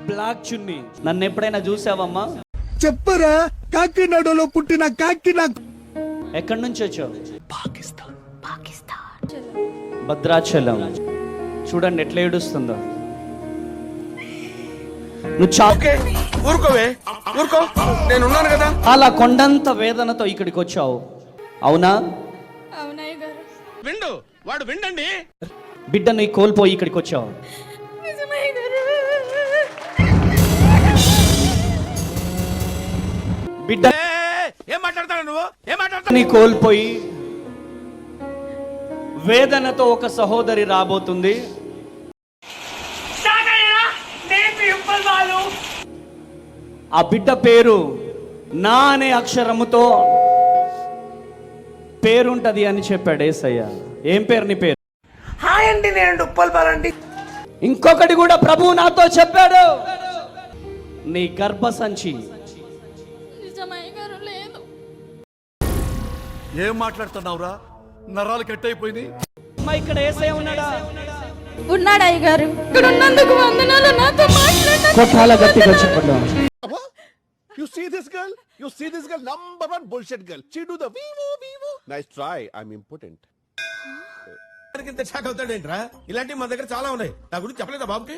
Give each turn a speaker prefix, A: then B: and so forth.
A: Black చున్నీ. నన్ను ఎప్పుడైనా చూసావమ్మా?
B: చెప్పరా, కాకినాడలో పుట్టిన కాకి నాకు.
A: ఎక్కడి నుంచి వచ్చావు?
B: పాకిస్తాన్.
A: భద్రాచలం. చూడండి ఎట్లా ఏడుస్తుందో. నువ్వు
C: ఊరుకోవే, ఊరుకో, నేను ఉన్నాను కదా.
A: అలా కొండంత వేదనతో ఇక్కడికి వచ్చావు, అవునా?
C: విండు, వాడు విండండి.
A: బిడ్డను కోల్పోయి ఇక్కడికి వచ్చావు. బిడ్డ
C: ఏం మాట్లాడతాడు నువ్వు? ఏం మాట్లాడతావు?
A: నీ కోల్పోయి వేదనతో ఒక సహోదరి రాబోతుంది. ఆ బిడ్డ పేరు నా అనే అక్షరముతో పేరుంటది అని చెప్పాడు యేసయ్య. ఏం పేరు నీ పేరు?
C: హాయ్ అండి, నేను ఉప్పల్ బాలండి.
A: ఇంకొకటి కూడా ప్రభువు నాతో చెప్పాడు, నీ గర్భసంచి.
B: ఏం మాట్లాడుతున్నావురా? నరాలు కట్ అయిపోయింది.
A: అమ్మా, ఇక్కడ యేసయ్య ఉన్నాడా?
D: ఉన్నాడు అయ్యగారు. ఇక్కడ ఉన్నందుకు వందనాలు. నాతో మాట్లాడండి.
A: కొట్టాల గట్టిగా చెప్పడం.
E: You see this girl? You see this girl? Number one bullshit girl. She do the vivo. Nice try. I'm impotent.
C: ఇంత షాక్ అవుతాడేంట్రా? ఇలాంటివి మా దగ్గర చాలా ఉన్నాయి. నా గురించి చెప్పలేదా బాబుకి?